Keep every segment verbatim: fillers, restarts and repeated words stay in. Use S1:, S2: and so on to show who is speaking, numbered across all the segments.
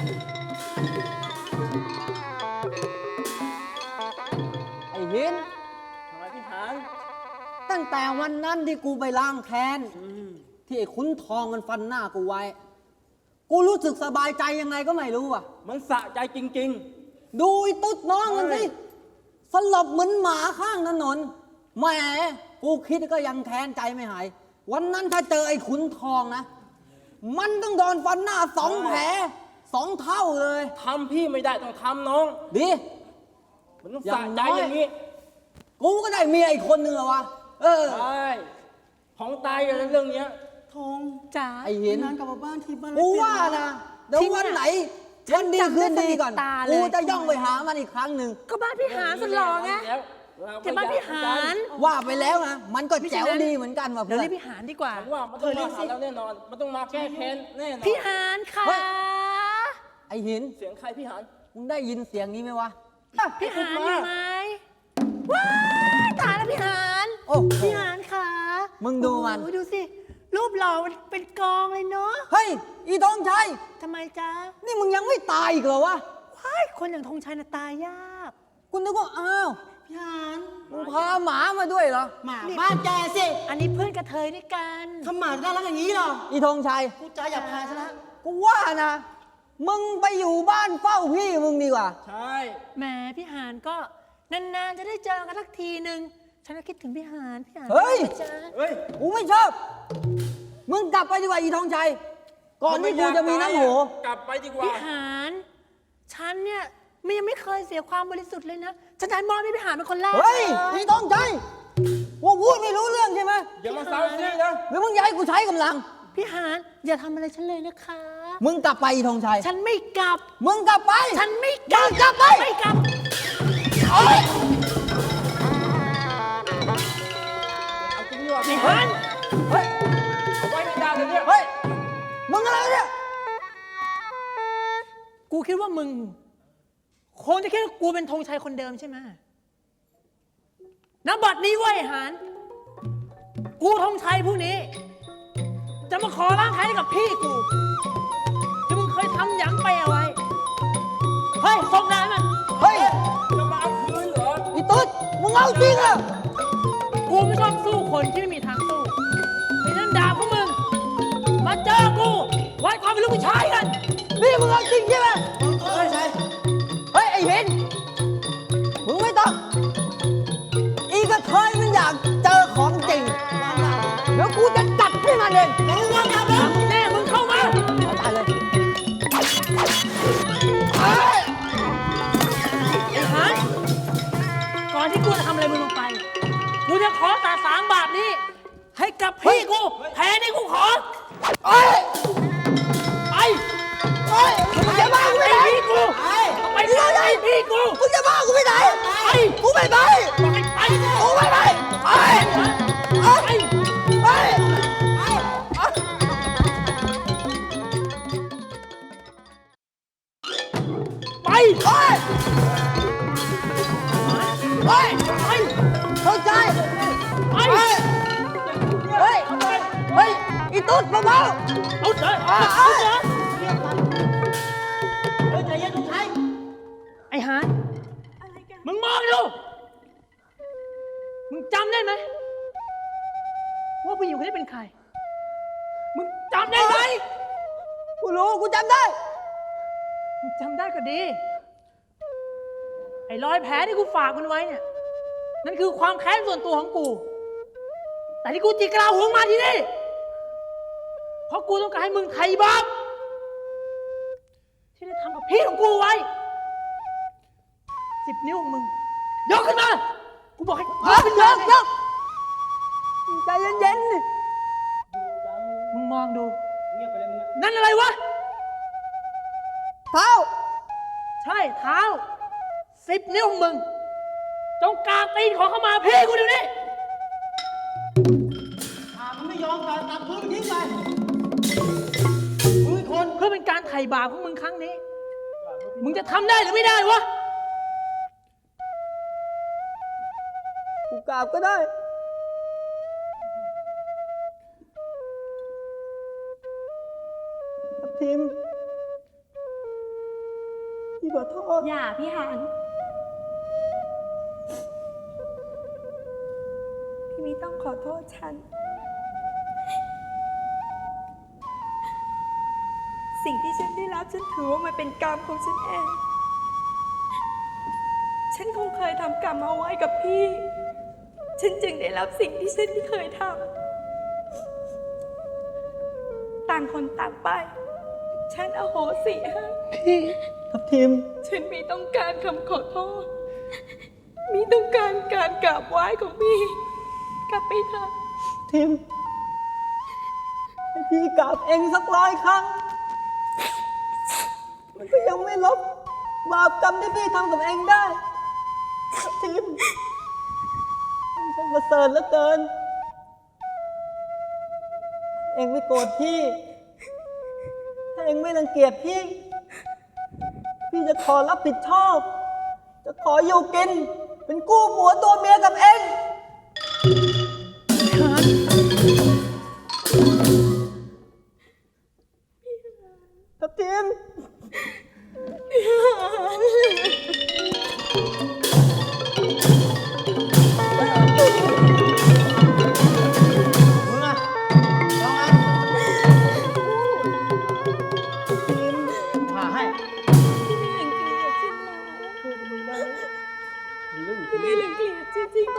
S1: ไอ้หิน
S2: ทำไมพี่หาน
S1: ตั้งแต่วันนั้นที่กูไปล้างแค้นที่ไอ้ขุนทองมันฟันหน้ากูไว้ กูรู้สึกสบายใจยังไงก็ไม่รู้อ่ะ
S2: มันสะใจจริง
S1: ดูไอ้ตุ๊ดน้องมันสิ
S2: เฮ้ย
S1: สลบเหมือนหมาข้างถนนแหมกูคิดก็ยังแค้นใจไม่หาย วันนั้นถ้าเจอไอ้ขุนทองนะ มันต้องโดนฟันหน้าสองแผลสองเท่าเลย
S2: ๆทำพี่ไม่ได้ต้องทำน้อง
S1: ดี
S2: มันต้อง
S1: อย่า
S2: สะ
S1: ง
S2: ใจ
S1: น้อย
S2: อย่างนี้
S1: กูก็ได้เมียอีกคนนึงแล้ววะ เออ
S2: ใช่ของตายกันเรื่องเนี้ย
S3: ทองจ๋า
S1: ไอ้หิน
S3: นานกลับมาบ้านที่บ้าน
S1: กูว่านะเดี๋ยววันไหนวันดีคืนดีก่อน
S3: ตาเลย
S1: กูจะย่องไปหามันอีกครั้งหนึ่ง
S3: ก็บ้านพี่หานสุดหล่อไง
S2: แล้วเร
S3: แต่บ้านพี่หาน
S1: ว่าไปแล้วนะ มันก็แจ๋วดีเหมือนกันว่ะ
S3: เดี๋ยว
S1: เพื่อ
S3: เรีย
S1: น
S3: กพี่หานดีกว่า
S2: ฉันว่ามันต้องมาหาเราแน่นอน มันต้องมาแก้แค้นแน่นอน
S3: พี่หานค่ะ
S1: เฮ้ย ไอ้หิน
S2: เสียงใครพี่หาน
S1: มึงได้ยินเสียงนี้ไหมวะ
S3: พี่หานอยู่ไหมว้ายตายแล้วพี่หาน
S1: โอ้โห
S3: พี่หานค่ะ
S1: มึงดูมัน
S3: โอ้โหดูสิ รูปหล่อมันเป็นกองเลยเนาะ
S1: เฮ้ย อีทองชัย
S3: ทำไมจ๊ะ
S1: นี่มึงยังไม่ตายอีกเหรอวะ
S3: ว้ายคนอย่างธงชัยน่ะตายยาก
S1: กูนึกว่า อ้าว
S3: พี่หาน
S1: มึงพาหมามาด้วยเหรอ
S3: หมาบ้านแกสิ อันนี้เพื่อนกระเทยด้วยกัน
S4: ทำหมาน่ารักอย่างนี้เหรอ
S1: อีทองชัย
S4: กูใจหยาบคายซะแล้ว
S1: กูว่านะ มึงไปอยู่บ้านเฝ้าพี่มึงดีกว่า
S2: ใช่
S3: แหมพี่หานก็นานๆจะได้เจอกันสักทีหนึ่งฉันก็คิดถึงพี่หานพี่หาน
S1: เฮ้ย
S3: จ้า
S2: เฮ้ย
S1: กูไม่ชอบ มึงกลับไปดีกว่าอีทองชัย ก่อนที่กูจะมีน้ำโห
S2: กลับไปดีกว่า
S3: พี่หานฉันเนี่ยมันยังไม่เคยเสียความบริสุทธิ์เลยนะฉันจะให้มอบให้พี่หานเป็นคนแรก
S1: เฮ้ย
S3: เล
S1: อีทองชัยว่าพูดไม่รู้เรื่องใช่ไหม
S2: อย่ามาเซาซีนะ
S1: หรือมึงอยากให้กูใช้กำลัง
S3: พี่หานอย่าทำอะไรฉันเลยนะคะ
S1: มึงกลับไปอีทองชัย
S3: ฉันไม่กลับ
S1: มึงกลับไป
S3: ฉันไม่กลับ
S1: มึงกลับไป
S3: ไม่กลับ
S1: เฮ้ย
S2: เอาจริงดีกว่า
S3: พี่
S2: พี่
S3: หาน
S1: เฮ้ย
S2: เอาไว้ไม่ได้เลยเนี่ย
S1: เฮ้ย มึงอะไรเนี่ย
S3: กูคิดว่ามึงคงจะคิดว่ากูเป็นธงชัยคนเดิมใช่ไหมณบัดนี้เว้ยหานกูธงชัยผู้นี้ จะมาขอล้างแค้นให้กับพี่กู ที่มึงเคยทำหยังไปเอาไว้ เฮ้ยส่งได้มัน
S1: เฮ้ย
S2: จะมาเอาคืนเหรอ
S1: อีตุ๊ดมึงเอาจริงเหรอ
S3: กูไม่ชอบสู้คนที่ไม่มีทางสู้ไอ้นั่นด่าพวกมึง มาเจอกูวัดความเป็นลูกผู้ชายกัน
S1: นี่มึงเอาจริงใช่ไหม
S4: เฮ้ยใช่
S1: เฮ้ย ไอ้เห็น มึงไม่ต้อง อีกระเทยมันอยากเจอของจริง เดี๋ยวกูจะจัดให้มันเอง
S4: มึงวางยาบ้า
S3: แน่มึงเข้ามา
S1: เอาตายเลยเฮ้ย
S3: ไอ้หานก่อนที่กูจะทำอะไรมึงลงไป กูจะขอสาสางบาปนี้ ให้กับพี่กู แพ้นี่กูขอ
S1: เฮ้ย
S3: ไป
S1: เฮ้ยมึงจะบ้ากู
S3: ไอ้
S1: ไปไหน
S3: พี่กูไปไปไอ้พี่กู
S1: มึงจะบ้ากูไปไหน
S3: ไป
S1: กูไม่ไป
S3: บอกให้ไป
S1: กูไม่ไปไป
S3: ไป
S1: ไป
S3: ไป
S1: เฮ้ย
S3: ไป ไป
S1: เข้าใจ
S3: ไป
S1: เฮ้ย เฮ้ย เฮ้ย อีตุ๊ดเบา
S3: เอาเถอะ
S1: ๆ
S3: เอา
S1: เอ้ย
S3: เถอะ
S4: เฮ้ยใจเย็นทุกท่าน
S3: ไอ้หานมึงมองดู มึงจำได้ไหมว่าผู้หญิงคนนี้เป็นใคร มึงจำได้ไหม
S1: กูรู้ กูจำได้
S3: มึงจำได้ก็ดี ไอ้รอยแผลที่กูฝากมันไว้เนี่ย นั่นคือความแค้นส่วนตัวของกู แต่ที่กูจิกกระลาหัวมาที่นี่ เพราะกูต้องการให้มึงไถ่บาปที่ได้ทำกับพี่ของกูไว้ สิบนิ้วของมึง ยกขึ้นมา กูบอกให้ย
S1: ย
S3: ก
S1: ก
S3: ขึ้น
S1: ย
S3: มาก
S1: ยกใจเย็นๆดิ
S3: มึงมองดู
S2: เงียบไปเลยมึงอะ
S3: นั่นอะไรวะ
S1: เท้า
S3: ใช่เท้า สิบนิ้วของมึง จงกราบตีนขอเข้ามาพี่กูเดี๋ยวนี้
S4: หามันไม่ยอมการตัดพื้นทิ้งไปมึงคน
S3: เพื่อเป็นการไถ่บาปของมึงครั้งนี้ มึงจะทำได้หรือไม่ได้วะ
S1: กูกราบก็ได้ทับทิมขอโทษ
S5: อย่าพี่หาน พี่มีต้องขอโทษฉัน สิ่งที่ฉันได้รับฉันถือว่ามันเป็นกรรมของฉันเอง ฉันคงเคยทำกรรมเอาไว้กับพี่ ฉันจึงได้รับสิ่งที่ฉันไม่เคยทำ ต่างคนต่างไป ฉันอโหสิให้
S1: พี่ทับทิม
S5: ฉันมีต้องการคำขอโทษ มีต้องการการกราบไหว้ของพี่ กลับไปเถอะ
S1: ทิมให้พี่กราบเองสักร้อยครั้ง มันก็ยังไม่ลบบาปกรรมที่พี่ทำกับเองได้ทับทิมมันช่างประเสริฐเหลือเกิน เองไม่โกรธพี่ ถ้าเองไม่รังเกียจพี่ พี่จะขอรับผิดชอบ จะขออยู่กิน เป็นกู้ผัวตัวเมียกับเองทับทิม
S4: มึงอะลองอันผ่าให้
S5: พี่ไม่รังเกียจฉันใช่ไหม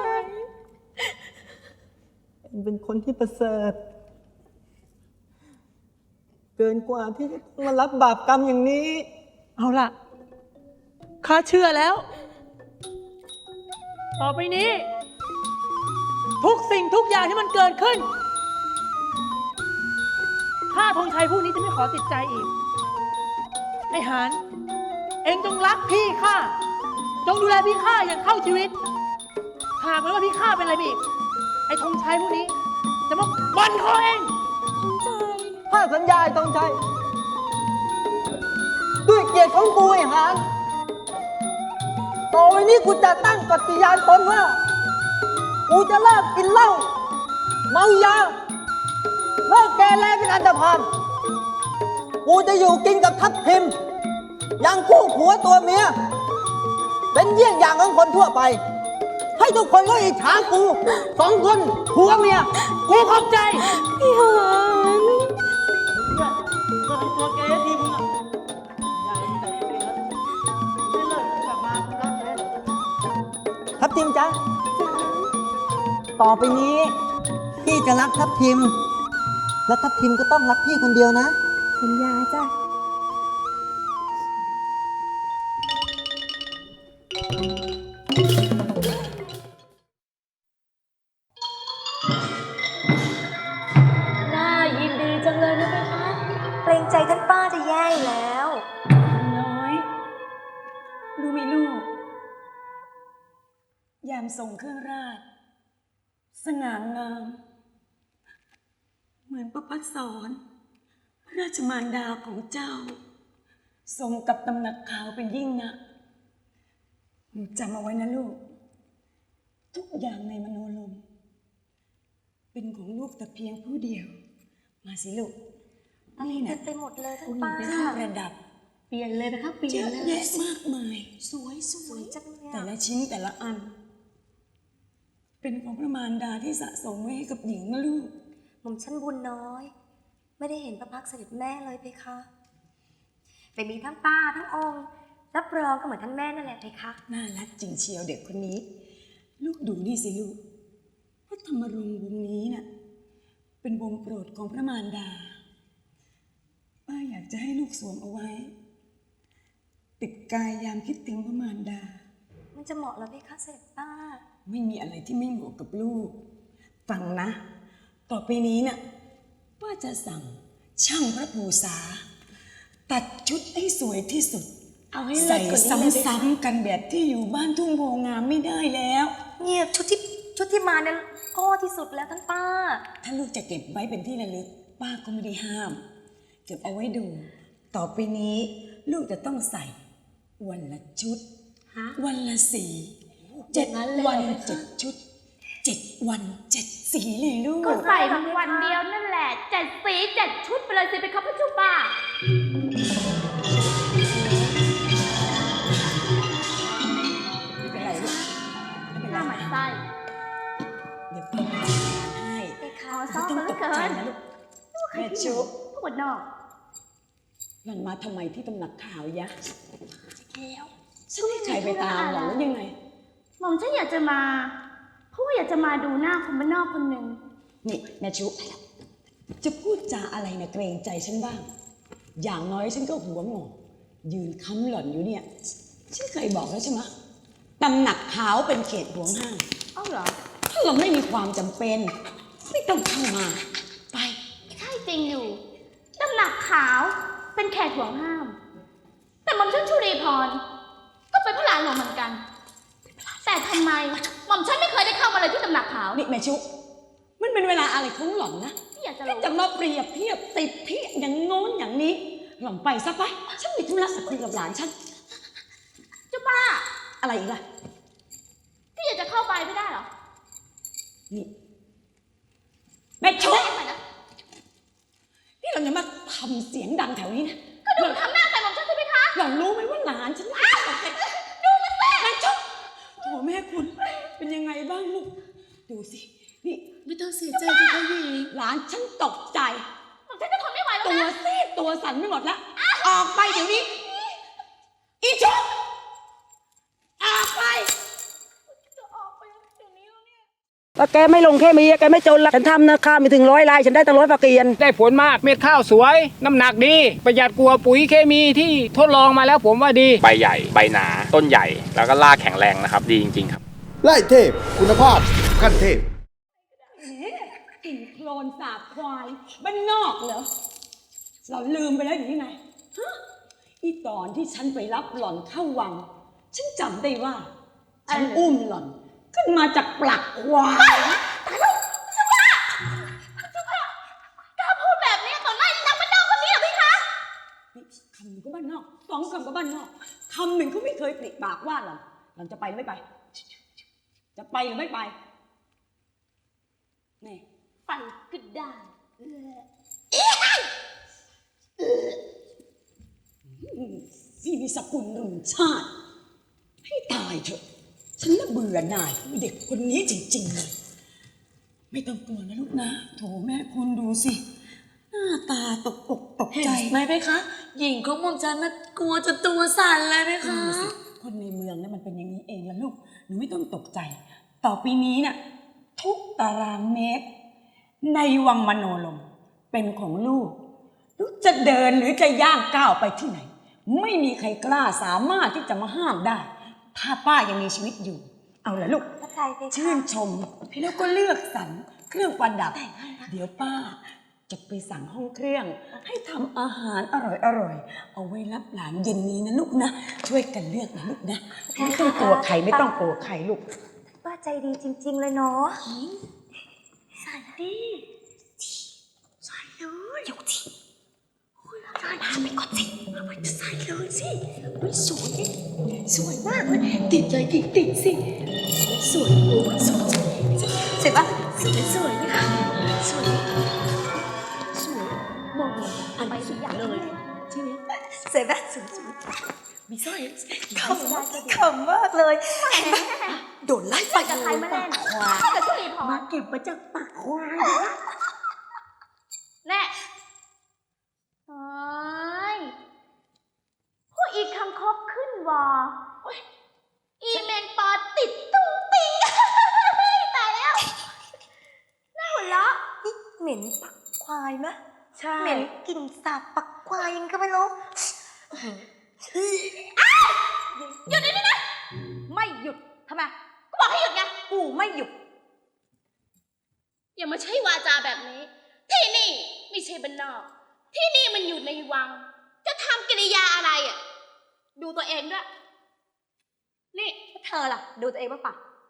S1: เองเป็นคนที่ประเสริฐ เกินกว่าที่จะต้องมารับบาปกรรมอย่างนี้
S3: เอาล่ะ ข้าเชื่อแล้ว ต่อไปนี้ ทุกสิ่งทุกอย่างที่มันเกิดขึ้น ข้าธงชัยผู้นี้จะไม่ขอติดใจอีก ไอ้หาน เองจงรักพี่ข้า จงดูแลพี่ข้าอย่างเข้าชีวิต หากแม้ว่าพี่ข้าเป็นอะไรไปอีก ไอ้ธงชัยผู้นี้ จะมาบันคอเอง
S1: ถ้าสัญญาไอ้ต้องใจ ด้วยเกียรติของกูไอ้หานต่อไปนี้กูจะตั้งปฏิญาณตนว่า กูจะเลิกกินเหล้าเมายาเลิกแกแลเป็นอันธพาลกูจะอยู่กินกับทัพทิมอย่างคู่ผัวตัวเมีย เป็นเยี่ยงอย่างของคนทั่วไป ให้ทุกคนก็อิจฉากูสองคนผัวเมีย
S3: กูขอบใจ
S5: พี่หาน
S4: ก็ทำตัวเกย์ทีมึงอะอย่าเห็นแต่ตัวเองแล้วไม่เลิกกลับมากูรักแท้
S1: ทัพทิมจ๊ะ ต่อไปนี้พี่จะรักทัพทิม และทัพทิมก็ต้องรักพี่คนเดียวนะ
S5: สัญญาจ้ะ
S6: น่ายินดีจังเลยนะเพคะเกรงใจท่านป้าจะแย่อยู่แล้ว
S5: น้อย รู้ไหมลูก ยามส่งเครื่องราช สง่างาม เหมือนประพัดสอนพระราชมารดาของเจ้า ทรงกับตำหนักขาวเป็นยิ่งนะหนูจำเอาไว้นะลูก ทุกอย่างในมโนลม เป็นของลูกแต่เพียงผู้เดียว มาสิลูก นี่
S6: เต็
S5: นะ
S6: มไปหมดเลยท่าน
S5: คุณ
S6: ป้า
S5: เป็นเครื่องประดับ
S6: เปลี่ยนเลยนะคะเปลี่
S5: เย
S6: ยน
S5: อะ
S6: เลย
S5: แยะมากมาย สวยส
S6: ส
S5: ว
S6: วย ยจังเลย
S5: แต่
S6: อะ
S5: ละชิ้นแต่ละอัน เป็นของพระมารดาที่สะสมไว้ให้กับหญิงนะลูก
S6: หม่อมชั้นบุญน้อย ไม่ได้เห็นพระพักตร์เสด็จแม่เลยเพคะแต่มีทั้งป้าทั้งองค์ รับรองก็เหมือนท่านแม่นั่นแหละเพคะ
S5: น่ารักจริงเชียวเด็กคนนี้ ลูกดูนี่สิลูกพระธรรมรงค์วงนี้น่ะ เป็นวงโปรดของพระมารดา ป้าอยากจะให้ลูกสวมเอาไว้ ติดกายยามคิดถึงพระมารดา
S6: มันจะเหมาะเหรอเพคะเสด็จป้า
S5: ไม่มีอะไรที่ไม่เหมาะกับลูก ฟังนะ ต่อไปนี้น่ะป้าจะสั่งช่างพระภูษา ตัดชุดให้สวยที่สุด
S6: เอาให้เลิ
S5: ใส่
S6: ศกว่านี้เลย
S5: ซ้ำๆกันแบบที่อยู่บ้านทุ่งโพงามไม่ได้แล้ว
S6: เงียบชุดที่ชุดที่มาเนี่ยก็ที่สุดแล้วท่านป้า
S5: ถ้าลูกจะเก็บไว้เป็นที่ระลึก ป้าก็ไม่ได้ห้าม เก็บเอาไว้ดู ต่อไปนี้ลูกจะต้องใส่วันละชุด
S6: ฮะ
S5: วันละสีเจ็ด
S6: อย่างนั้นเลย
S5: วัน
S6: เหรอ
S5: เจ็ดชุดเจ็ดวันเจ็ดสีเลยลูก
S7: ก็ใส่มันวันเดียวนั่นแหละเจ็ดสีเจ็ดชุดไปเลยสิไปครับพระเจ้าป่าคนนอก
S5: หล่อนมาทำไมที่ตำหนักข่าวยะแล้วฉันไม่ใครไปตามหรอกแล้วยังไง
S7: หม่อมฉันอยากจะมา เพราะว่าอยากจะมาดูหน้าคนบ้านนอกคนหนึ่ง
S5: นี่แม่ชุจะพูดจาอะไรนะเกรงใจฉันบ้าง อย่างน้อยฉันก็หัวงอกยืนค้ำหล่อนอยู่เนี่ยฉันเคยบอกแล้วใช่ไหมตำหนักขาวเป็นเขตห่วงห้าม
S7: อ้าวเหรอ
S5: ถ้าเราไม่มีความจำเป็น ไม่ต้องเข้ามาไป
S7: ใช่จริงอยู่ตำหนักขาวเป็นแขกห่วงห้าม แต่หม่อมฉันชุรีพรก็เป็นพระหลานหลวงเหมือนกัน แต่ทำไมหม่อมฉันไม่เคยได้เข้ามาเลยที่ตำหนักขาว
S5: นี่แม่ชุมันเป็นเวลาอะไรของหล่อนนะ
S7: ที่อยากจะ
S5: ที่
S7: รู้
S5: จะมาเปรียบเทียบติดเพียอย่างโน้นอย่างนี้หล่อนไปซะไปฉันมีธุระจะคุยกับหลานฉัน
S7: เจ้าป้า
S5: อะไรอีกล่ะ
S7: ที่อยากจะเข้าไปไม่ได้เหรอ
S5: นี่แม่ชุ
S7: ได้ไหมนะ
S5: นี่เราจะมาทำเสียงดังแถวนี้นะ
S7: ก็ดูมันทำหน้าใส่หม่อมฉันใช่ไหมคะ
S5: หล่อนรู้ไหมว่าหลานฉันไม่ตกใจดูมันแม่แม่ชุโถแม่คุณเป็นยังไงบ้างลูกดูสินี่
S4: ไม่ต้องเสียใจเลยค่ะหญิง
S5: หลานฉันตกใจ
S7: หม่อมฉันจะทนไม่ไหวแล้ว
S5: ตัว
S7: นะ
S5: ซีดตัวสั่นไม่หมดแล้วออกไปเดี๋ยวนี้อีชุบออกไป
S8: ว่าแกไม่ลงแค่มีแกไม่จนละฉันทำนะข้าวมีถึงร้อยลายฉันได้ตั้งร้อยฝากเกียน
S2: ได้ผลมากเม็ดข้าวสวย น้ำหนักดี ประหยัดกว่าปุ๋ยเคมีที่ทดลองมาแล้วผมว่าดี
S9: ใบใหญ่ ใบหนา ต้นใหญ่ แล้วก็รากแข็งแรงนะครับ ดีจริงๆครับ
S10: ไล่เทพ คุณภาพขั้นเทพ
S5: กลิ่นโคลนสาบควายบ้านนอกเหรอเราลืมไปแล้วอย่างนี้ไงฮะอีตอนที่ฉันไปรับหล่อนเข้าวัง ฉันจำได้ว่า ฉันอุ้มหล่อน ขึ้นมาจากปลักควาย
S7: กล้าพูดแบบนี้ต่อหน้าอีนางบ้านนอกคนนี้เหรอพี่คะ
S5: นี่คำหนึ่งก็บ้านนอกสองคำก็บ้านนอกคำหนึ่งเขาไม่เคยปลิปากว่าหล่อนหล่อนจะไปหรือไม่ไป จะไปหรือไม่ไปนี่
S7: ไปก็ได้
S5: ที่มีสกุลรุ่นชาติ ให้ตายเถอะ ฉันน่ะเบื่อหน่ายเด็กคนนี้จริงๆเลยไม่ต้องกลัวนะลูกนะโถแม่คุณดูสิ หน้าตาตกอกตกใจ
S4: ไหมเพคะ หญิงของหม่อมฉันน่ะกลัวจนตัวสั่นเลยเพคะ
S5: ดูสิคนในเมืองเนี่ยมันเป็นอย่างนี้เองละลูกหนูไม่ต้องตกใจ ต่อปีนี้เนี่ยทุกตารางเมตร ในวังมโนลมเป็นของลูก ลูกจะเดินหรือจะย่างก้าวไปที่ไหน ไม่มีใครกล้าสามารถที่จะมาห้ามได้ ถ้าป้ายังมีชีวิตอยู่ เอาละลูก
S6: พระไทยเพคะ
S5: ชื่นชมแล้วก็เลือกสรรเครื่องประดับ เดี๋ยวป้าจะไปสั่งห้องเครื่อง ให้ทำอาหารอร่อยๆ เอาไว้รับหลานเย็นนี้นะลูกนะ ช่วยกันเลือกนะลูกนะ ไม่ต้องกลัวใครไม่ต้องกลัวใครลูก
S6: ป้าใจดีจริง ๆ เลยเนาะ
S4: ใส่ดิใส่เลยยกทีใส่ทำไปก่อนสิเอาไปใส่เลยสิมันสวยสวยมากเลยติดใจติดติดสิสวยโอ้ยสวยสวย
S6: เสร็จปะ
S4: สวยสวยนะคะสวยสวยมองเลยอันสุดเลยใช่ไหม
S6: เสร็จปะ
S4: สวยสวยมีสร้อย
S6: ขำขำมากเลย
S4: โดนไล่
S7: ไปกับใครมาเล่น
S4: ควาย
S7: เข้ากับชุลีพ
S4: มาร เก็บมาจากปากควาย
S7: แน่เฮ้ยผู้อีกคำคบขึ้นวอโอ๊ยอีเมนปอติดตุ้งติง ตายแล้ว น่าหัวเราะ
S6: นี่เหม็นปักควายมะ
S4: ใช่
S6: เหม็นกลิ่นสาบปักควายยังก็ไม่รู้
S7: หยุดเดี๋ยวนี้นะ ไม่หยุดทำไมก็บอกให้หยุดไง
S6: กูไม่หยุด
S7: อย่ามาใช้วาจาแบบนี้ ที่นี่ไม่ใช่บ้านนอก ที่นี่มันอยู่ในวัง จะทำกิริยาอะไรอ่ะ ดูตัวเองด้วย นี่
S6: เธอล่ะ ดูตัวเองบ้างปะ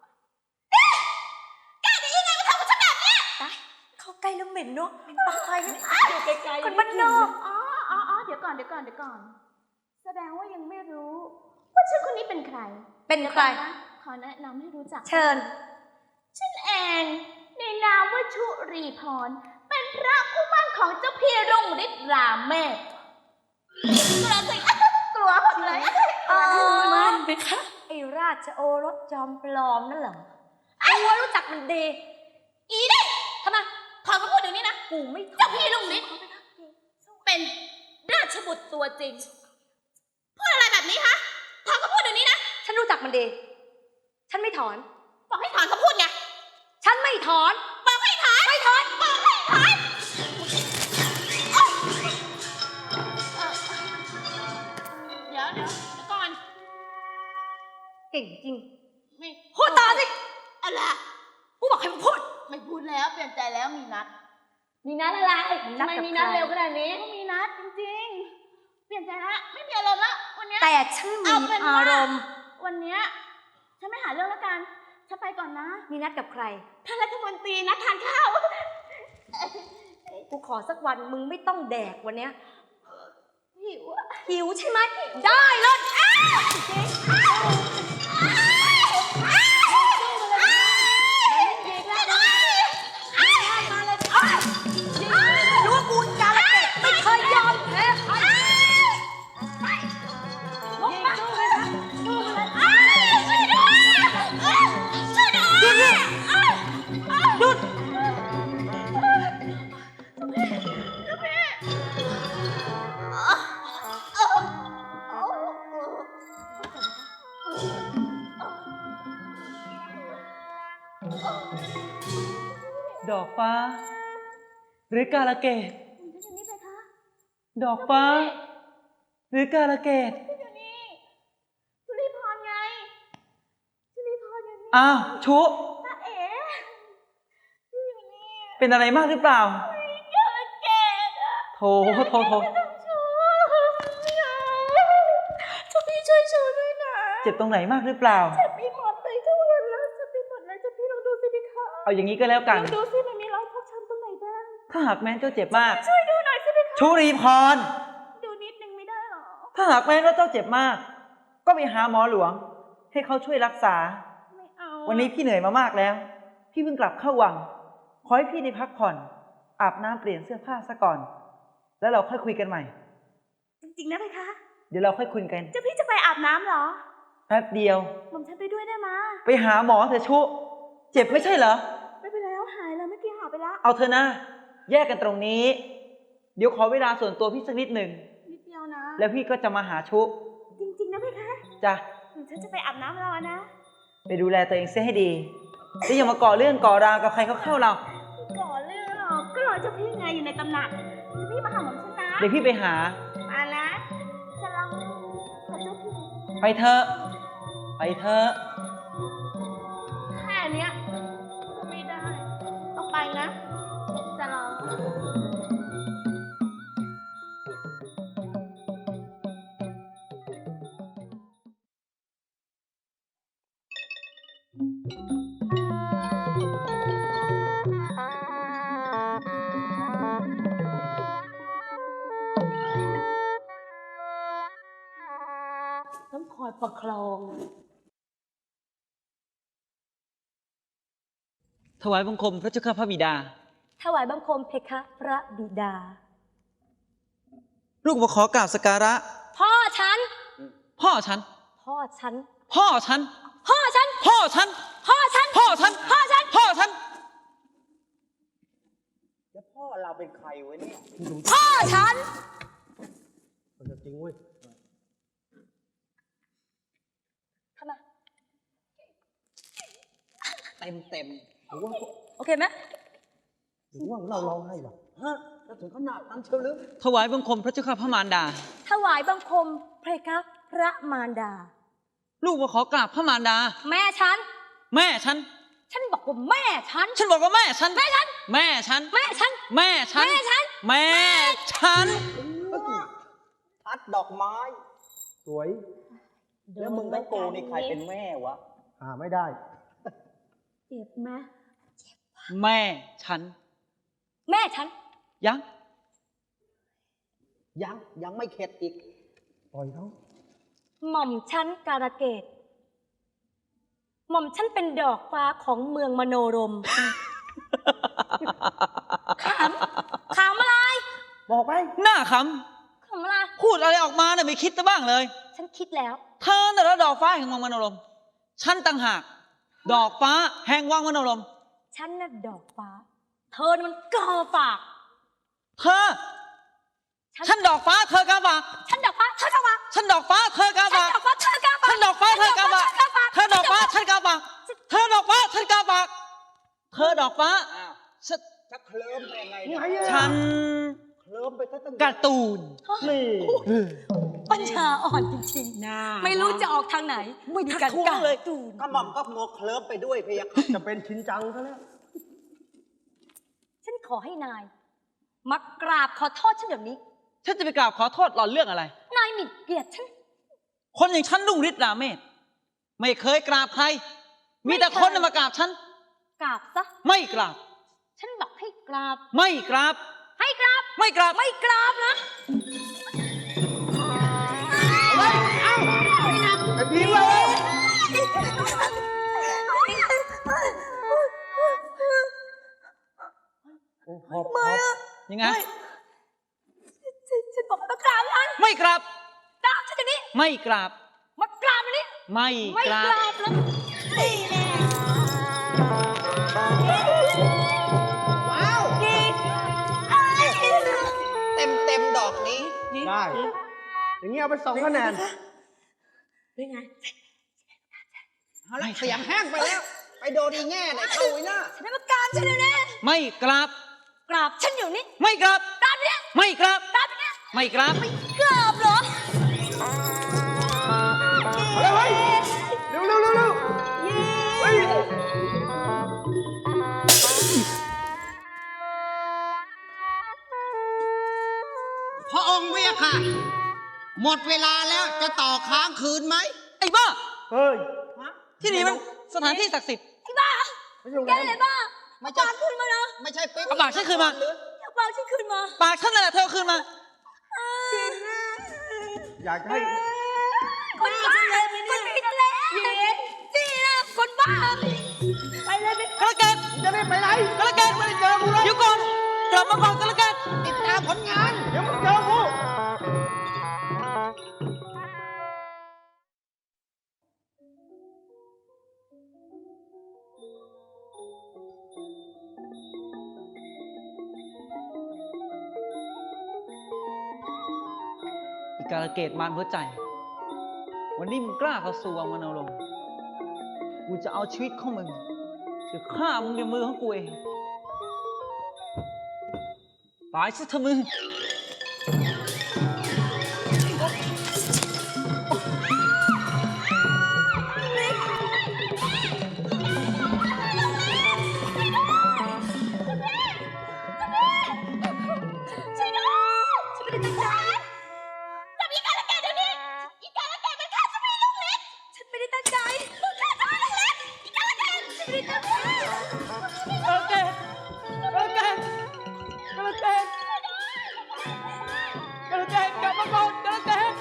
S7: กล้าได้ยังไงมาทำกับฉันแบบเนี้ย
S6: ได้เข้าใกล้แล้วเหม็นเนาะเหม็นปักควายนะ
S5: อยู่ไกลๆ
S6: คนบ้านนอก
S7: อ๋ออ๋ออ๋อเดี๋ยวก่อน เดี๋ยวก่อน เดี๋ยวก่อน แสดงว่ายังไม่รู้ ว่าฉันคนนี้เป็นใคร
S6: เป็นใคร
S7: ดี๋ยวก่อนนะขอแนะนำให้รู้จัก
S6: เชิญ
S7: ฉันเอง ในนามว่าชุรีพร เป็นพระผู้มั่นของเจ้าพี่รุ่งฤทธิ์รามเมศกลัวสิกลัวหมดเลย
S6: เออ
S4: มันไปคะ
S6: ไอ้ราชโอรสจอมปลอมนั่นเหรอไอ้ว่ารู้จักมันดี
S7: อีนี่ทำไมถอนคำพูดเดี๋ยวนี้นะ
S6: กูไม่
S7: เจ้าพี่รุ่งฤทธิ์
S6: ส
S7: เป็นราชบุตรตัวจริงพูดอะไรแบบนี้คะถอนคำพูดเดี๋ยวนี้นะ
S6: ฉันรู้จักมันดี ฉันไม่ถอน
S7: บอกให้ถอนคำพูดไง
S6: ฉันไม่ถอน
S7: บอกให้ถอน
S6: ไม่ถอน
S7: บอกให้ถอนโอ๊ยเอ่อเดี๋ยวเดี๋ยวเดี๋ยวก่อน
S6: เก่งจริง
S7: ไม่
S6: พูดต่อสิ
S7: อะไร
S6: กูบอกให้มึงพูด
S7: ไม่พูดแล้วเปลี่ยนใจแล้วมีนัด
S6: มีนัดอะไร
S7: ทำไมมีนัดเร็วขนาดนี้ก็มีนัดจริงๆ เปลี่ยนใจแล้วไม่มีอารมณ์แล้ววันเนี้ย
S6: แต่ฉันมี
S7: เอาเป็น
S6: อา
S7: ว่าร
S6: มณ์
S7: วันเนี้ยฉันไม่หาเรื่องแล้วกันฉันไปก่อนนะ
S6: มีนัดกับใคร
S7: ท่านรัฐมนตรีนัดทานข้าว
S6: กูขอสักวันมึงไม่ต้องแดกวันเนี้ย
S7: หิวอะ
S6: หิวใช่ไหม ได้เลยอ้าวจริงรู้ว่ากูกาลเกตไม่เคยยอมแพ้ใครลงมาหยุด
S3: ดอกฟ้า หรือกาลเกต
S7: พี่เจนนี่ไปคะ
S3: ดอกฟ้า หรือกาลเกต
S7: พี่เจนนี่จุลีพรไงจุลีพรอยู่นี่
S3: อ้าวชุ
S7: ตาเอ๋พี่อยู่นี่
S3: เป็นอะไรมากหรือเปล่า
S7: กาลเกตอะ
S3: โถโถโถ
S7: ชูช่วยพี่ช่วยชูด้วยนะ
S3: เจ็บตรงไหนมากหรือเปล่า
S7: เจ็บไปหมดเลยทุกคนแล้วเจ็บไปหมดเลยเจ็บพี่ลองดูสิพี่คะ
S3: เอาอย่างนี้ก็แล้วกัน
S7: ลองดูสิมันมีรอยฟกช้ำตรงไหนบ้าง
S3: ถ้าหากแม้นเจ้าเจ็บมาก
S7: ช่วยดูหน่อยสิพี่คะ
S3: ชุรีพร
S7: ดูนิดนึงไม่ได้หรอ
S3: ถ้าหากแม้นว่าเจ้าเจ็บมาก ก็ไปหาหมอหลวง ให้เขาช่วยรักษา
S7: ไม่เอา
S3: วันนี้พี่เหนื่อยมามากแล้ว พี่เพิ่งกลับเข้าวัง ขอให้พี่ได้พักผ่อน อาบน้ำเปลี่ยนเสื้อผ้าซะก่อน แล้วเราค่อยคุยกันใหม่
S7: จริงๆนะพี่คะ
S3: เดี๋ยวเราค่อยคุยกัน
S7: จะพี่จะไปอาบน้ำเหรอ
S3: แป๊บเดียว
S7: ผมฉันไปด้วยได้มา
S3: ไปหาหมอเถอะชุ เจ็บไม่ใช่เหรอ
S7: ไม่เป็นไรแล้วหายแล้วเมื่อกี้หายไปแล้ว
S3: เอาเถอะนะ แยกกันตรงนี้ เดี๋ยวขอเวลาส่วนตัวพี่สักนิดหนึ่ง
S7: นิดเดียวนะ
S3: แล้วพี่ก็จะมาหาชุ
S7: จริงๆนะพี่คะ
S3: จ้ะ
S7: ผมฉันจะไปอาบน้ำรอนะ
S3: ไปดูแลตัวเองเสียให้ดีแล้วอย่ามาก่อเรื่องก่อราวกับใครเขาเข้าเรา
S7: ก่อเรื่องหรอกก็รอเจ้าพี่ไงอยู่ในตำหนักเจ้าพี่มาหาผมฉันนะ
S3: เดี๋ยวพี่ไปหา
S7: มานะจะลองขอเจ้าพี่
S3: ไปเถอะ ไปเถอะ
S7: แค่เนี้ยก็ไม่ได้ต้องไปนะ จะลอง
S6: ต้องคอยประคอง
S3: ถวายบังคมพระเจ้าข้าพระบิดา
S6: ถวายบังคมเพคะพระบิดา
S3: ลูกมาขอกราบสักการะ
S6: พ่อฉัน
S3: พ่อฉัน
S6: พ่อฉัน
S3: พ่อฉัน
S6: พ่อฉัน
S3: พ่อฉัน
S6: พ่อฉัน
S3: พ่อฉัน
S6: พ่อฉัน
S3: พ่อฉัน
S1: แล้วพ่อเราเป็นใครวะเนี่ย
S6: พ่อฉัน
S10: จริงเว้ย
S6: ทำไม
S1: เต็มเต็ม
S6: โอเคไหม
S10: หรือว่าเราเราให้หรอ
S1: ฮะแล้วถึงขนาดนั้นเชียวหรือ
S3: ถวายบังคมพระเจ้าข้าพระมารดา
S6: ถวายบังคมเพคะพระมารดา
S3: ลูกมาขอกราบพระมารดา
S6: แม่ฉัน
S3: แม่ฉัน
S6: ฉันบอกว่าแม่ฉัน
S3: ฉันบอกว่าแม่ฉัน
S6: แม่ฉัน
S3: แม่ฉัน
S6: แม่ฉัน
S3: แม่ฉัน
S6: แม่ฉัน
S3: แม่ฉัน
S1: ทัดดอกไม้
S10: สวย
S1: แล้วมึงกับกูนี่ใครเป็นแม่วะ
S10: หาไม่ได้
S6: เจ็บไหม
S3: แม่ฉัน
S6: แม่ฉัน
S3: ยัง
S1: ยังยังไม่เข็ดอีก
S10: ปล่อยเขา
S6: หม่อมฉันการะเกดหม่อมฉันเป็นดอกฟ้าของเมืองมโนรม ขำ ขำอะไร
S10: บอกไป
S3: หน้าข
S6: ขำอะไร
S3: ำพูดอะไรออกมาเนี่ยไม่คิดซะบ้างเลย
S6: ฉันคิดแล้ว
S3: เธอน่ะแล้วดอกฟ้าแห่งวังมโนรม ฉันต่างหาก ดอกฟ้าแห่งวังมโนรม
S6: ฉันน่ะดอกฟ้า เธอน่ะมันกอฝาก
S3: เธอ
S1: ฉันดอกฟ้าเธอกาบาก
S6: ฉันดอกฟ้าเธอกาบาก
S1: ฉันดอกฟ้าเธอกา
S6: ฉัน
S1: บาก
S6: ดอกฟ้าเธอกาบาก
S1: ฉันดอกฟ้าเธอกาบากเธอดอกฟ้าฉันกาบากเธอดอกฟ้าฉันกาบากเธอดอกฟ้าฉัน
S10: จะเคลิ้มไปยังไง
S1: ฉัน
S10: เคลิ้มไปตั้ง
S1: การ์ตูน
S10: นี่
S6: ปัญญาอ่อนจริงๆ ไม่รู้จะออกทางไหน
S1: ไม่
S6: มี
S1: ทัก
S6: การ
S1: ท้วงเลย
S6: ตูน
S10: กระหม่อมก็โมเคลิ้มไปด้วยพะยะค่ะจะเป็นชินจังซะแล้ว
S6: ฉันขอให้นาย มากราบขอโทษฉันเดี๋ยวนี้
S1: ฉันจะไปกราบขอโทษหล่อนเรื่องอะไร
S6: นายหมิ่นเกียรติฉัน
S1: คนอย่างฉันรุ่งฤทธิ์ราเมศไม่เคยกราบใคร มีแต่คนน่ะมากราบฉัน
S6: กราบซะ
S1: ไม่กราบ
S6: ฉันบอกให้กราบ
S1: ไม่กราบ
S6: ให้กราบ
S1: ไม่กราบ
S6: ไม่กราบนะ
S10: ไอ้พีเลย
S6: ไม่อะ
S1: ยังไง
S6: ฉันฉันบอกให้มากราบฉัน
S1: ไม่กราบ
S6: กราบฉันเดี๋ยวนี้
S1: ไม่กราบ
S6: มากราบเดี๋ยวนี้
S1: ไม่
S6: ไม่
S1: ก
S6: ก
S1: ราบ
S6: ราบแล้วนี่แน่ว้าวกีด
S1: เต็มเต็มดอกนี้
S10: ได้ อย่างนี้เอาไปสองคะแนน
S6: เป็นไง
S1: เอาละเสียงแห้งไปแล้ว ไปโดนอีแง่ไหนเข้าไว้หน้า
S6: ฉันได้มากราบฉันเดี๋ยวนี้
S1: ไม่กราบ
S6: กราบฉันอยู่นี่
S1: ไม่กราบ
S6: กราบเดี๋ยวนี้
S1: ไม่กราบ
S6: กราบเดี๋ยวนี้
S1: ไม่กราบ
S6: กราบเหรอ
S10: เอาเลยเว้ยเร็วเร็วเร็วเร็วเฮ้ย
S1: พระองค์เวียค่ะ หมดเวลาแล้วจะต่อค้างคืนไหม ไอ้บ้า
S10: เฮ้ย
S1: ที่นี่มันสถานที่ศักดิ์สิทธิ์
S6: ไอ้บ้า
S10: ไม่ใช่โรง
S6: แก
S10: แรม
S6: เลยบ้า
S1: ไม่
S6: เอา
S1: ใช่
S6: ปากขึ้นมานะ
S1: ไม่ใช่ปิ๊บเอาปากฉันคืนมา
S6: เอาปากฉันขึ้นมา
S1: ปากฉันนั่นแหละเธอเอาคืนมา
S10: อยากจะให้
S6: คนบ้าคนผิดแล้วนี่นะคนบ้า ไปเลยไป
S1: กระเกต
S10: จะไม่ไปไหน
S1: กระเกต
S10: ไม่ได้เจอกูแล้ว
S1: เดี๋ยวก่อนกลับมาก่อนกระเกตติดตามผลงาน
S10: เดี๋ยวมึงเจอกู
S1: อีกการะเกตมารหัวใจ วันนี้มึงกล้าเข้าสู่วังมโนรมกูจะเอาชีวิตของมึงจะฆ่ามึงด้วยมือของกูเอง ตายซะเถอะมึง
S7: ช่วยด้วยฉันไม่ได้ตั้งใจจับอีกาละแกเดี๋ยวนี้อีกาละแกมันฆ่าฉันไม่ได้ลูกเล็กฉันไม่ได้ตั้งใจฆ่าฉันไม่ได้ลูกเล็กอีกาละแกฉันไม่ได้ตั้งใจ
S1: กระเกตกระเกตกระเกตกระเกตกลับมาก่อนกระเกต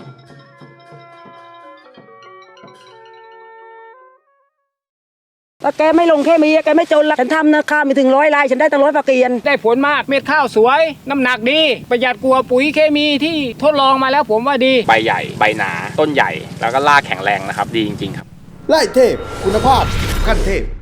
S8: ว่าแกไม่ลงแค่มีแกไม่จนละฉันทำนะข้าวมีถึงร้อยลายฉันได้ตั้งร้อยฝากเกียน
S2: ได้ผลมากเม็ดข้าวสวย น้ำหนักดี ประหยัดกว่าปุ๋ยเคมีที่ทดลองมาแล้วผมว่าดี
S9: ใบใหญ่ ใบหนา ต้นใหญ่ แล้วก็รากแข็งแรงนะครับ ดีจริงๆครับ
S10: ไล่เทพ คุณภาพขั้นเทพ